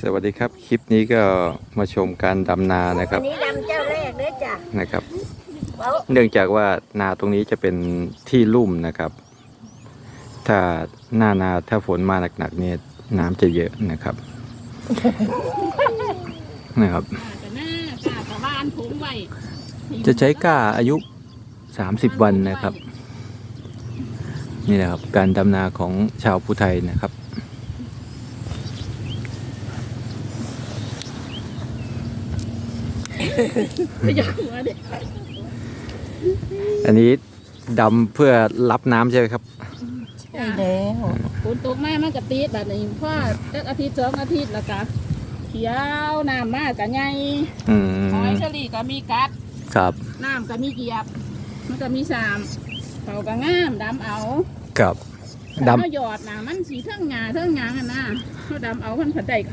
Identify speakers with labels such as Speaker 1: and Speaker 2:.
Speaker 1: สวัสดีครับคลิปนี้ก็มาชมการดำนานะครับ
Speaker 2: อันนี้ดำเจ้าแรกเลยจ้ะ
Speaker 1: นะครับ
Speaker 2: เว้า
Speaker 1: เนื่องจากว่านาตรงนี้จะเป็นที่ลุ่มนะครับ ถ้าหน้านาถ้าฝนมาหนักๆเนี่ยน้ำจะเยอะนะครับ นะครับ
Speaker 3: แต่หน้ากาตะบ้านผงไว้
Speaker 1: จะใช้ก้าอายุ30 วันนะครับ นี่แหละครับการดำนาของชาวภูไทยนะครับ
Speaker 3: อยากหัวเด็ก
Speaker 1: อันนี้ดำเพื่อรับน้ำใช่ไหมครับ
Speaker 2: ใช่แล้ว
Speaker 3: ฝนตกแม่มันกระติดแบบนี้เพราะสักอาทิตย์2 อาทิตย์แล้วก็เขียวน้ำมากกับไง
Speaker 1: อื
Speaker 3: หอย
Speaker 1: ม
Speaker 3: เชอรี่ก็มีกัด
Speaker 1: ครับ
Speaker 3: น้ำก็มีเกียบ มันก็มีสามเขาก็งามดำเอา
Speaker 1: ครับ
Speaker 3: ดำ
Speaker 1: ดำ
Speaker 3: เอาหยอดนะมันสีเท่งงาเท่งงางอ่ะนะเขาดำเอามันผัดได้ข